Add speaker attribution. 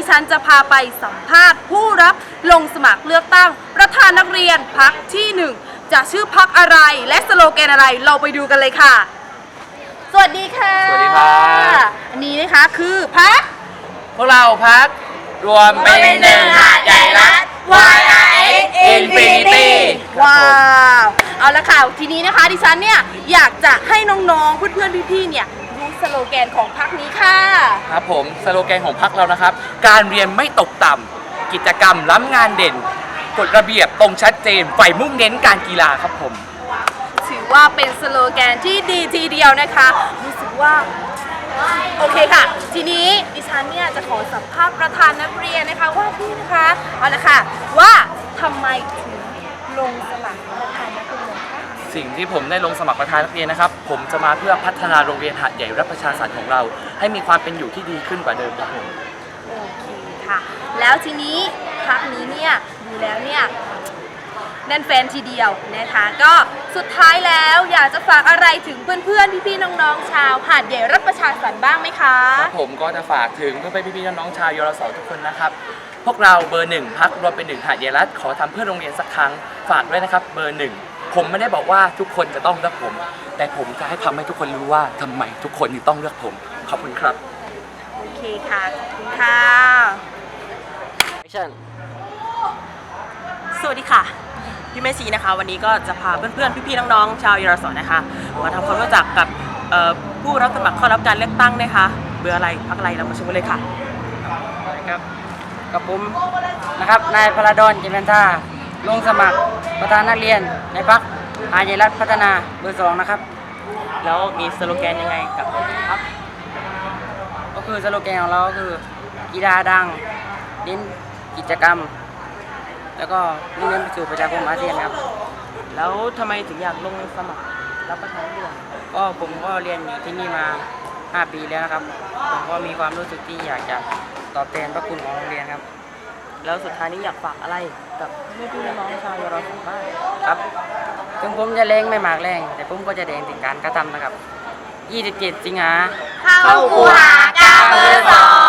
Speaker 1: ฉันจะพาไปสัมภาษณ์ผู้รับลงสมัครเลือกตั้งประธานนักเรียนพรรคที่1จะชื่อพรรคอะไรและสโลแกนอะไรเราไปดูกันเลยค่ะสวัสดีค่ะ
Speaker 2: สวัสดีครับ
Speaker 1: อันนี้นะคะคือพรรค
Speaker 2: พวกเราพักรวมเป็นหนึ่งหาดใหญ่รัฐ YRX Infinity
Speaker 1: ว้าวเอาละค่ะทีนี้นะคะดิฉันเนี่ยอยากจะให้น้องๆเพื่อนๆพี่ๆเนี่ยรู้สโลแกนของพรรคนี้ค่ะ
Speaker 2: ครับผมสโลแกนของพักเรานะครับการเรียนไม่ตกต่ำกิจกรรมล้ำงานเด่นกฎระเบียบตรงชัดเจนใฝ่มุ่งเน้นการกีฬาครับผม
Speaker 1: ถือว่าเป็นสโลแกนที่ดีทีเดียวนะคะรู้สึกว่าโอเคค่ะทีนี้ดิฉันเนี่ยจะขอสัมภาษณ์ประธานนักเรียนนะคะว่าพี่นะคะเอาละค่ะว่าทำไมถึงลงสมัครประธานนักเรียนคะ
Speaker 2: สิ่งที่ผมได้ลงสมัครประธานนักเรียนนะครับผมจะมาเพื่อพัฒนาโรงเรียนหาดใหญ่รัฐประชาสรรค์ของเราให้มีความเป็นอยู่ที่ดีขึ้นกว่าเดิมครับผม
Speaker 1: โอเคค่ะแล้วทีนี้พรรคนี้เนี่ยดูแล้วเนี่ยแน่นแฟนทีเดียวนะคะก็สุดท้ายแล้วอยากจะฝากอะไรถึงเพื่อนๆพี่ๆน้องๆชาวหาดใหญ่รัฐประชาสรรค์บ้างไหมคะ
Speaker 2: ผมก็จะฝากถึงเพื่อนๆพี่ๆน้องๆชาวยรสทุกคนนะครับพวกเราเบอร์1พักรวมเป็น1หาดใหญ่รัฐขอทำเพื่อโรงเรียนสักครั้งฝากด้วยนะครับเบอร์1ผมไม่ได้บอกว่าทุกคนจะต้องเลือกผมแต่ผมจะให้ทำให้ทุกคนรู้ว่าทำไมทุกคนถึงต้องเลือกผมขอบคุณครับ
Speaker 1: โอเคค่ะขอบคุณค่ะ
Speaker 3: สวัสดีค่ะพี่เมซีนะคะวันนี้ก็จะพาเพื่อนๆพี่ๆน้องๆชาวยรสนะคะมาทำความรู้จักกับผู้รับสมัครเข้ารับการเลือกตั้งนะคะเบอร์อะไรพรรคอะไรเรามาชมกันเลยค่ะ
Speaker 4: ครับกับผมนะครับนายพลดลเจริญท่าลงสมัครประธานนักเรียนในพรรคหาดใหญ่รัฐพัฒนาเบอร์2นะครับ
Speaker 3: แล้วมีสโลแกนยังไงกับพรรค
Speaker 4: ก็คือสโลแกนของเราก็คือกีฬาดังเน้นกิจกรรมแล้วก็มุ่งเน้นไปสู่ประชาคมอาเซียนครับ
Speaker 3: แล้วทำไมถึงอยากลงสมัครรับประธานนักเรียน
Speaker 4: ก็ผมก็เรียนอยู่ที่นี่มา5 ปีแล้วนะครับผมก็มีความรู้สึกที่อยากจะตอบแทนพระคุณของโรงเรียนครับ
Speaker 3: แล้วสุดท้ายนี้อยากฝากอะไรกับพี่ๆน้องๆชาวยรสบ้าง
Speaker 4: ครับถึงผมจะแรงไม่มากแรงแต่ผมก็จะแดงถึงการกระทำนะครับ27 สิงหา
Speaker 1: เข้าคูหากาเบอร์2